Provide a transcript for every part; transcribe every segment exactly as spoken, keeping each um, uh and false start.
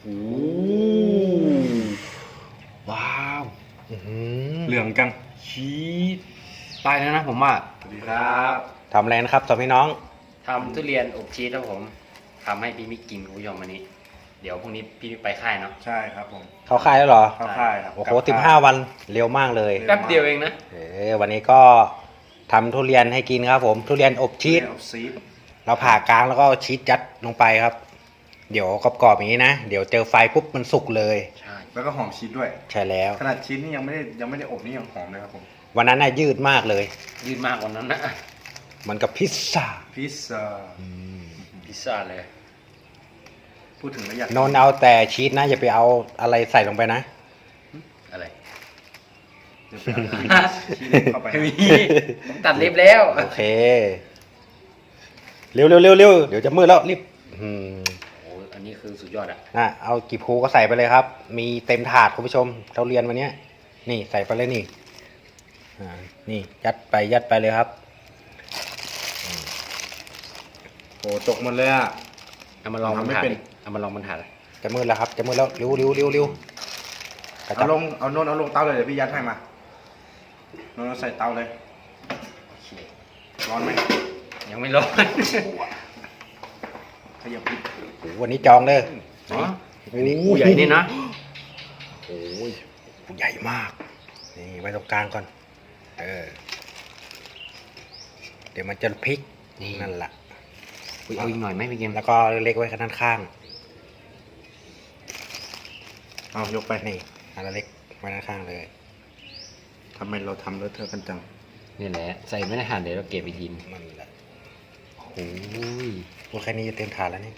โอ้ว้าวเหลืองจังชีสตายแล้วนะผมว่าสวัสดีครับทำอะไรนะครับสองพี่น้องทำทุเรียนอบชีสครับผมทำให้พี่มิกกินคุณผู้ชมวันนี้เดี๋ยวพรุ่งนี้พี่มิกไปค่ายเนาะใช่ครับผมเข้าค่ายแล้วเหรอเข้าค่ายครับโอ้โหสิบห้าวันเร็วมากเลยแป๊บเดียวเองนะเออวันนี้ก็ทำทุเรียนให้กินครับผมทุเรียนอบชีสอบชีสเราผ่ากลางแล้วก็ชีสยัดลงไปครับเดี๋ยวกรอบๆอย่างนี้นะเดี๋ยวเจอไฟปุ๊บมันสุกเลยใช่แล้วก็หอมชีสด้วยใช่แล้วขนาดชีสนี่ยังไม่ได้ยังไม่ได้อบนี่ยังหอมเลยครับผมวันนั้นน่ะยืดมากเลยยืดมากกว่านั้นนะมันกับพิซซ่าพิซซ่าพิซซ่าเลยพูดถึงแล้วอยากนนเอาแต่ชีสนะอย่าไปเอาอะไรใส่ลงไปนะอะไรชีสเข้าไปผมตัดเล็บแล้วโอเคเร็วเร็วเร็วเร็วเดี๋ยวจะมืดแล้วรีบอืมโอ้อันนี้คือสุดยอดอ่ะนะเอากี่ภูก็ใส่ไปเลยครับมีเต็มถาดคุณผู้ชมเราเรียนวันนี้นี่ใส่ไปเลยนี่อ่านี่ยัดไปยัดไปเลยครับโอ้ตกหมดเลยอ่ะเอามาลองบนถาดเอามาลองบนถาดจะมืดแล้วครับจะมืดแล้วเร็วเร็วเร็วเร็วเอาลงเอาโน่นเอาลงเตาเลยเดี๋ยวพี่ยัดให้มาโน่นใส่เตาเลยร้อนไหมยังไม่ร้อนขยับนิดวันนี้จองเลยอ๋อโอ้ใหญ่นี่นะโอ้ยใหญ่มากนี่ไว้ตรงกลางก่อนเออเดี๋ยวมันจะพลิกนั่นแหละเอาอีกหน่อยไหมพี่เกมแล้วก็เล็กไว้ข้างข้างเอายกไปนี่อันเล็กไว้ด้านข้างเลยทำไมเราทำเลอะเทอะกันจังนี่แหละใส่ไม่ได้หั่นเดี๋ยวเราเก็บไปกินมันแหละโอ้ยตัวแค่นี้จะเต็มถาดแล้วนี่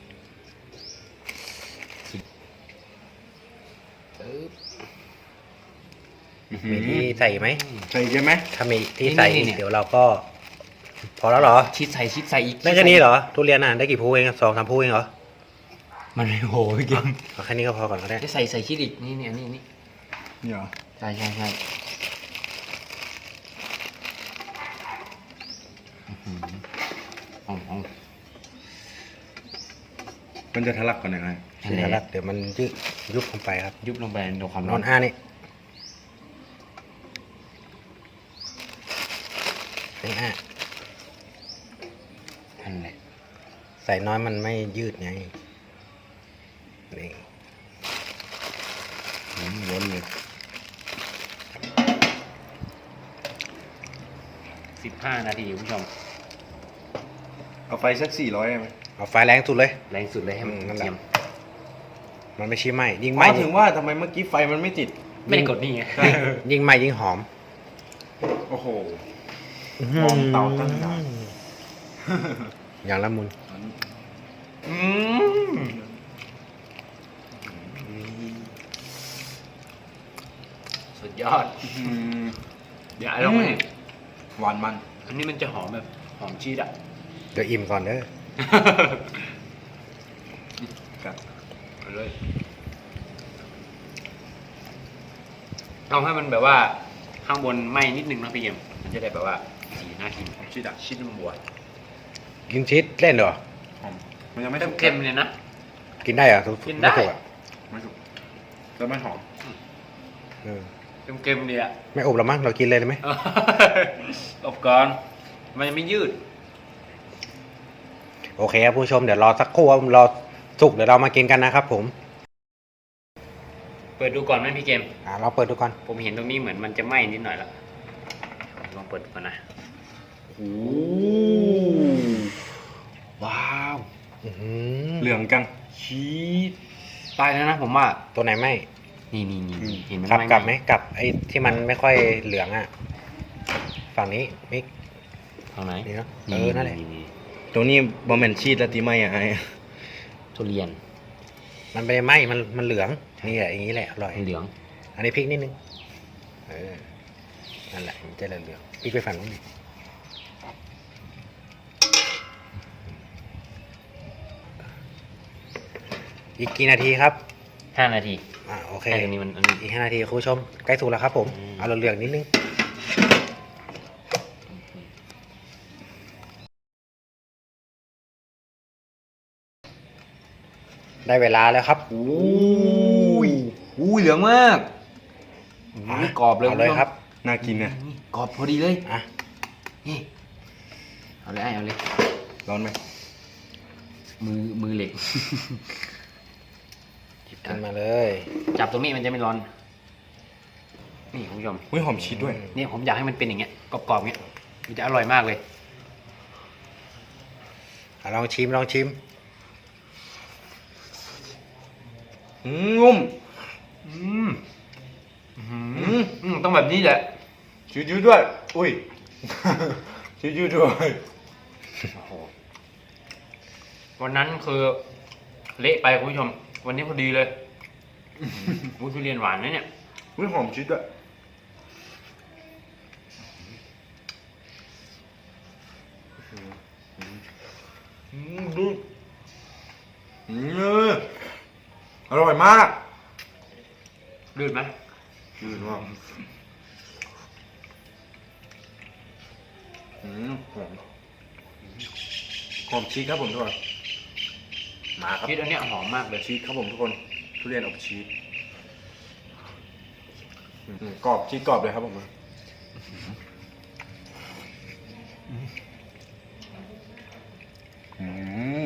มีที่ใส่ไหมใส่ใช่ไหมถ้ามีที่ใส่เดี๋ยวเราก็พอแล้วเหรอชิดใส่ชิดใส่อีกได้แค่นี้เหรอทุเรียนอ่ะได้กี่ภูเองสองสามภูเองเหรอมันไม่โหพี่เกมเอาแค่นี้ก็พอก่อนก็ได้ใส่ใส่ชิดอีกนี่นี่นี่นี่นี่เหรอใช่ใช่ใช่มันจะทะลักก่อนยังไงทะลักเดี๋ยวมันยุบยุบลงไปครับยุบลงไปโดนความร้อนห้านี่นี่ห้าอันไหนใส่น้อยมันไม่ยืดไงนี่ล้นเลยสิบห้านาทีคุณผู้ชมเอาไฟสักสี่ร้อยได้ไหมเอาไฟแรงสุดเลยแรงสุดเลยให้มันเทียมมันไม่ชี้ไหมยิงไหมถึงว่าทำไมเมื่อกี้ไฟมันไม่ติดไม่ได้กดนี่ไงยิงไหมยิงหอมโอ้โหมองเตาตั้งนานอย่างละมุนสุดยอดเดี๋ยวไอ้ลองให้หวานมันอันนี้มันจะหอมแบบหอมชีสอ่ะเดี๋ยวอิ่มก่อนเด้อกัดไปเลยเอาให้มันแบบว่าข้างบนไหม้นิดนึงนะพี่เกมมันจะได้แบบว่าสีน่ากินชีสอ่ะชีสมันบวชกินชีสเล่นเหรอมันยังไม่เค็มเลยนะกินได้เหรอกินได้ไม่สุกแล้วไม่หอมเค็มๆเนี่ยไม่อบหรอมั้งเรากินเลยได้ไหมอบก่อนมันยังไม่ยืดโอเคครับผู้ชมเดี๋ยวรอสักครู่รอสุกเดี๋ยวเรามากินกันนะครับผมเปิดดูก่อนไหมพี่เกมอ่าเราเปิดดูก่อนผมเห็นตรงนี้เหมือนมันจะไหม้นิดหน่อยแล้วลองเปิดก่อนนะโอ้ว้าวเหลืองจังชีสตายแล้วนะผมว่าตัวไหนไหมนี่นี่นี่เห็นมันกลับกลับไหมกลับไอ้ที่มันไม่ค่อยเหลืองอ่ะฝั่งนี้มิกฝั่งไหนนี่เนาะเออนั่นแหละตรงนี้บะหมี่ชีสแล้วตีไหมอ่ะไอ้ทุเรียนมันไม่ได้ไหมมันมันเหลืองนี่แหละอย่างนี้แหละอร่อยเหลืองอันนี้พริกนิดนึงเออนั่นแหละมันจะเหลืองพริกไปฝั่งนู้นอีกกี่นาทีครับห้านาทีอ่าโอเคอันนี้มันอีกห้านาทีคุณผู้ชมใกล้สุกแล้วครับผมเอาเหลืองนิดนึงได้เวลาแล้วครับโอ้ยอุ้ยเหลืองมากอ่ะนี่กรอบเลยเอาเลยครับน่ากินเนี่ยนี่กรอบพอดีเลยอ่ะนี่เอาเลยไอ้เอาเลยร้อนไหมมือมือเหล็กหยิบขึ้นมาเลยจับตรงนี้มันจะไม่ร้อน นี่คุณผู้ชมอุ้ยหอมชีสด้วยเนี่ยผมอยากให้มันเป็นอย่างเงี้ยกรอบๆเงี้ยมันจะอร่อยมากเลยอ่ะลองชิมลองชิมอืมนุ่มอืมอืมอืมต้องแบบนี้แหละชีสยืดด้วย อุ้ย ชีสยืดด้วยโอ้โหวันนั้นคือเละไปคุณผู้ชม วันนี้พอดีเลยวุ้นทุเรียนหวานนะเนี่ยอุ้ยหอมชีสด้วยอืมดูอืมอร่อยมากลื่นไหมยืนว่าอืมหอมหอมชีสครับผมทุกคนมาครับชีสอันเนี้ยหอมมากเลยชีสครับผมทุกคนทุเรียนอบชีสอืมกรอบชีสกรอบเลยครับผมอืม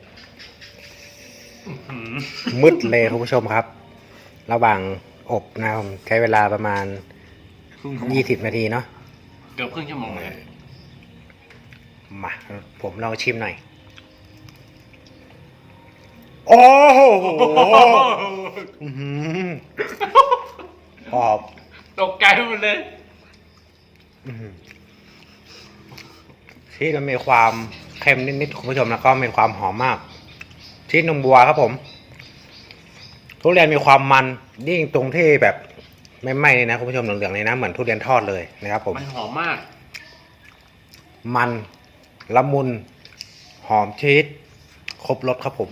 มืดเลยคุณผู้ชมครับ ระหว่างอบนะครับผมใช้เวลาประมาณยี่สิบนาทีเนาะเกือบครึ่งชั่วโมงเลยมาผมลองชิมหน่อย โอ้โหอื้อหือหอบตกใจหมดเลยอื้อหือชีสมันมีความเค็มนิดๆคุณผู้ชมแล้วก็มีความหอมมากชีสนมบัวครับผมทุเรียนมีความมันยิ่งตรงที่แบบไม่ไหม้เลยนะคุณผู้ชมเหลืองๆเลยนะเหมือนทุเรียนทอดเลยนะครับผมมันหอมมากมันละมุนหอมชีสครบรสครับผม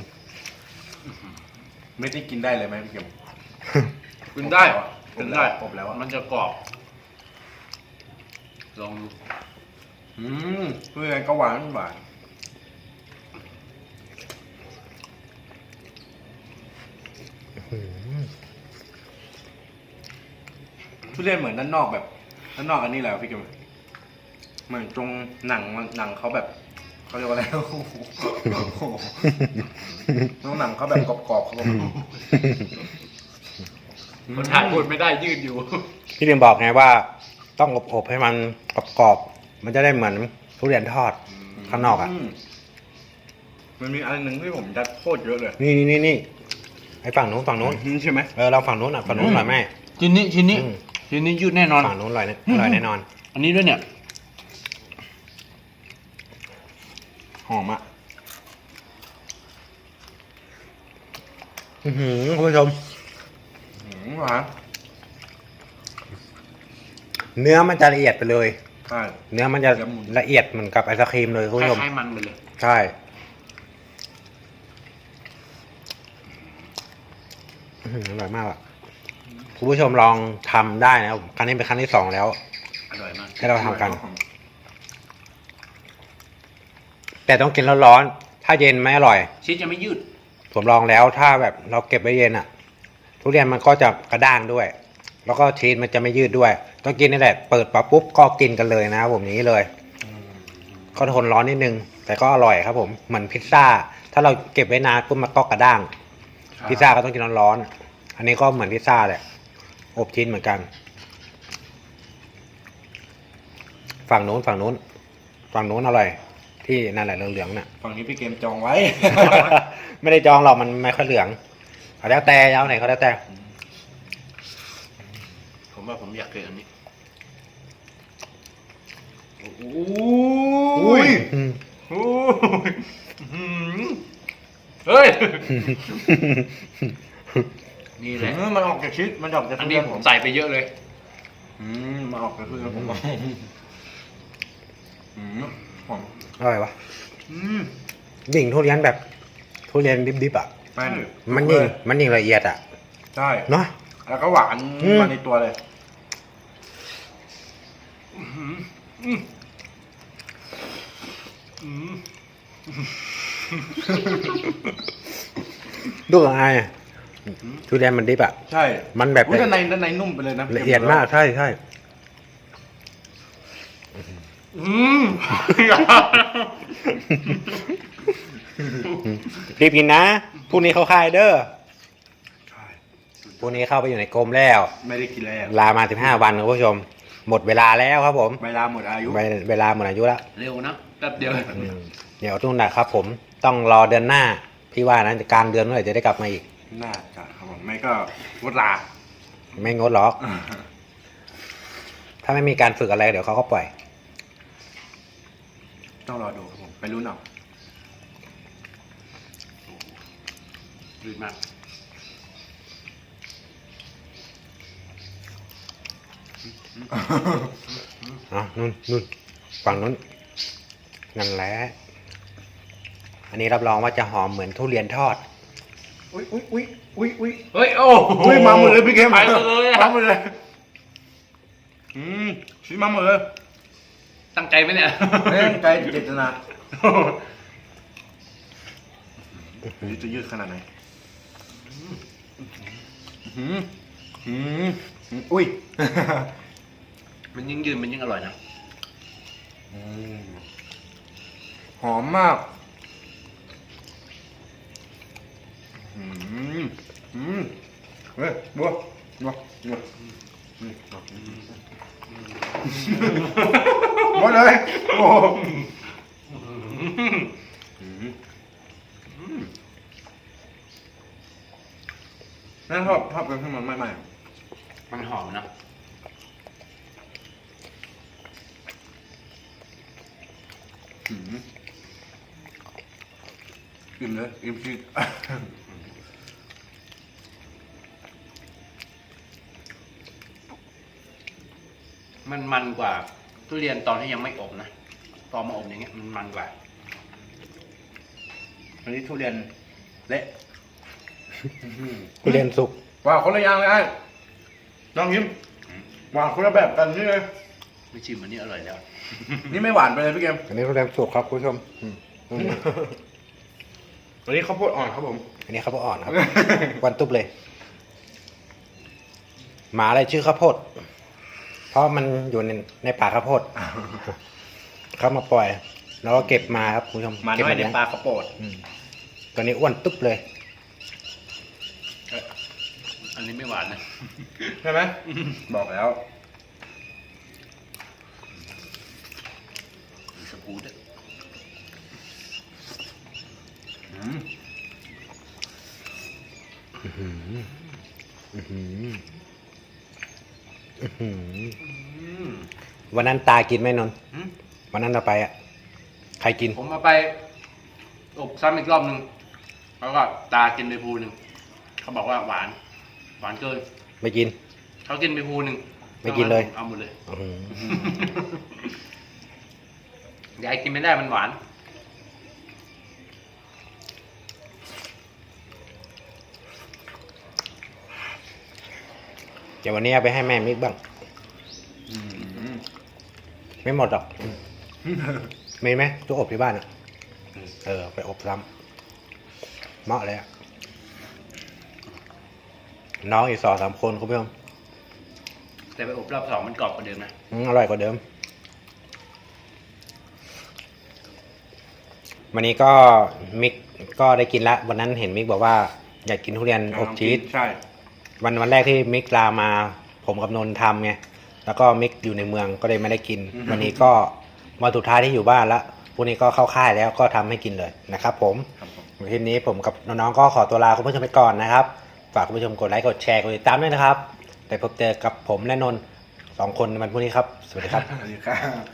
ไม่ได้กินได้เลยไหมพี่เข็มกินได้อบกินแล้วได้อบแล้วอะมันจะกรอบลองดูอืมทุเรียนก็หวานหวานทุเรียนเหมือนด้านนอกแบบด้านนอกอันนี้แหละพี่เข็มเหมือนตรงหนังมันหนังเขาแบบเขาเรียกว่าอะไร โอ้โหตรงหนังเขาแบบกรอบๆครับผมคนถ่ายพูดไม่ได้ยืดอยู่พี่เรียนบอกไงว่าต้องอบๆให้มันกรอบๆมันจะได้เหมือนทุเรียนทอดข้างนอกอ่ะมมันมีอันหนึ่งที่ผมยัดโคตรเยอะเลยนี่นี่นี่ไอ้ฝั่งนู้นฝั่งนู้นใช่ไหมเออเราฝั่งนู้นอ่ะฝั่งนู้นอร่อยไหมชิ้นนี้ชิ้นนี้อืมชิ้นนี้ยืดแน่นอนฝั่งนู้นอร่อยแน่อร่อยแน่นอนอันนี้ด้วยเนี่ยหอมอ่ะอื้อหือคุณผู้ชมหืมหวานเนื้อมันจะละเอียดไปเลยใช่เนื้อมันจะเนื้อหมูละเอียดเหมือนกับไอศครีมเลยคุณคผู้ชมล้ายๆมันไปเลยใช่อื้อหืออร่อยมากอ่ะคุณผู้ชมลองทำได้นะครับครั้งนี้เป็นครั้งที่สองแล้วอร่อยมากให้เราทำกัน แต่ต้องกินร้อนๆถ้าเย็นไม่อร่อยชีสจะไม่ยืดผมลองแล้วถ้าแบบเราเก็บไว้เย็นอ่ะ ทุเรียนมันก็จะกระด้างด้วย แล้วก็ชีสมันจะไม่ยืดด้วย ต้องกินนี่แหละเปิดปั๊บปุ๊บก็กินกันเลยนะครับผมนี้เลยก็ทนร้อนนิดนึง แต่ก็อร่อยครับผมเหมือนพิซซ่า ถ้าเราเก็บไว้นานปุ๊บมันก็กระด้าง พิซซ่าก็ต้องกินร้อนๆอันนี้ก็เหมือนพิซซ่าแหละอบชิ้นเหมือนกัน ฝั่งนู้นฝั่งนู้นฝั่งนู้นอร่อย ที่นั่นแหละเหลืองๆน่ะฝั่งนี้พี่เกมจองไว้ไม่ได้จองหรอกมันไม่ค่อยเหลืองเอาแล้วแต่เอาไหนเขาแล้วแต่ผมว่าผมอยากกินอันนี้อุ้ยอืมโอ้ยอื้อหือเฮ้ย นี่แหละอืมมันออกจากชีสมันออกจากอันทุนี้เรียนผผม มใส่ไปเยอะเลยอืมมันออกจากทุเรียนผมอืมหอมอร่อยวะอืมยิ่งทุเรียนแบบทุเรียนดิบๆอ่ะแม่นมันยิ่งมันยิ่งละเอียดอ่ะใช่เนาะแล้วก็หวานอืมมาในตัวเลยอืมอืมอืมดูของไอ้ทุเรียนมันดิบอ่ะใช่มันแบบอุ๊ยด้านในด้านในนุ่มไปเลยนะละเอียดมากใช่ใช่อืมรีบกินนะพรุ่งนี้เขาค่ายเด้อใช่พรุ่งนี้เข้าไปอยู่ในกรมแล้วไม่ได้กินแล้วลามาสิบห้าวันคุณผู้ชม หมดเวลาแล้วครับผมเวลาหมดอายุเวเวลาหมดอายุแล้วเร็วนะแป๊บเดียวอืมเดี๋ยวทุ่งนะครับผมต้องรอเดือนหน้า พี่ว่านะกลางเดือนเมื่อไหร่จะได้กลับมาอีกน่าจะครับผมไม่ก็วดลาไม่งดหรอก ถ้าไม่มีการฝึกอะไรเดี๋ยวเขาก็ปล่อยต้องรอดูครับผมไปรู้นเอาดีมากอ่ะนู่นนู่นฝั่งนู้นนั่นแหละอันนี้รับรองว่าจะหอมเหมือนทุเรียนทอดอุ้ยอุ้ยอุ้ยอุ้ยอุ้ยเฮ้ยโอ้โหอุ้ยมาหมดเลยพี่เกมไปหมดเลยอะมาหมดเลยอืมชี้มาหมดเลยตั้งใจไหมเนี่ยเล่นใจเจตนานี่จะยืดขนาดไหนอืมอืมอุ้ยมันยิ่งยืนมันยิ่งอร่อยนะอืมหอมมากอืมอืมเฮ้ยบัวบัวบัวอืมหมดเลยโอ้อืมนั่นชอบชอบกันที่มันไม่ไหม้มันหอมนะอืมอิ่มเลยอิ่มจริงมันมันกว่าทุเรียนตอนที่ยังไม่อบนะตอนมาอบอย่างเงี้ยมันมันกว่าอันนี้ทุเรียนเละทุเรียนสุกว้าวคนละอย่างเลยไอ้น้องยิ้มหวานคนละแบบกันนี่เลยไม่ชิมอันนี้อร่อยแล้วนี่ไม่หวานไปเลยพี่เกมอันนี้ทุเรียนสุกครับคุณผู้ชมอืมอืมวันนี้ข้าวโพดอ่อนครับผมอันนี้ข้าวโพดอ่อนครับ วันตุ๊บเลย หมาอะไรชื่อข้าวโพด เพราะมันอยู่ในในป่าข้าวโพด เขามาปล่อย แล้วก็เก็บมาครับคุณผู้ชมมาเก็บน้อยในเลี้ยงปลาข้าวโพดอืมตัวนี้อ้วนตุ๊บเลยเอ้ยอันนี้ไม่หวานนะใช่ไหมบอกแล้วมีสกู๊ตด้วยอืมอื้อหืออื้อหืออื้อหืออืมวันนั้นตากินไหมนนท์อืมวันนั้นเราไปอ่ะ ใครกินผมมาไปอบซ้ำอีกรอบหนึ่งแล้วก็ตากินไปภูหนึ่งเขาบอกว่าหวาน หวานเกินไม่กินเขากินไปภูหนึ่งไม่กินเลยเอาหมดเลยอื้อหือยายกินไม่ได้มันหวานเดี๋ยววันนี้เอาไปให้แม่มิกบ้างอืมไม่หมดหรอก มีไหมตู้อบที่บ้านอ่ะ เออ ไปอบซ้ำเหมาะเลยอ่ะ น้องอีกสองสามคนคุณผู้ชมแต่ไปอบรอบสองมันกรอบกว่าเดิมนะอืมอร่อยกว่าเดิม วันนี้ก็มิกก็ได้กินละ วันนั้นเห็นมิกบอกว่า อยากกินทุเรียนอบชีสใช่วันวันแรกที่มิกลามา ผมกับนนท์ทำไง แล้วก็มิกอยู่ในเมืองก็เลยไม่ได้กิน วันนี้ก็วันสุดท้ายที่อยู่บ้านละพรุ่งนี้ก็เข้าค่ายแล้วก็ทำให้กินเลยนะครับผมครับผมคลิปนี้ผมกับน้องๆก็ขอตัวลาคุณผู้ชมไปก่อนนะครับ ฝากคุณผู้ชมกดไลค์กดแชร์กดติดตามด้วยนะครับ แต่พบเจอกับผมและนนท์สองคนในวันพรุ่งนี้ครับ สวัสดีครับสวัสดีครับ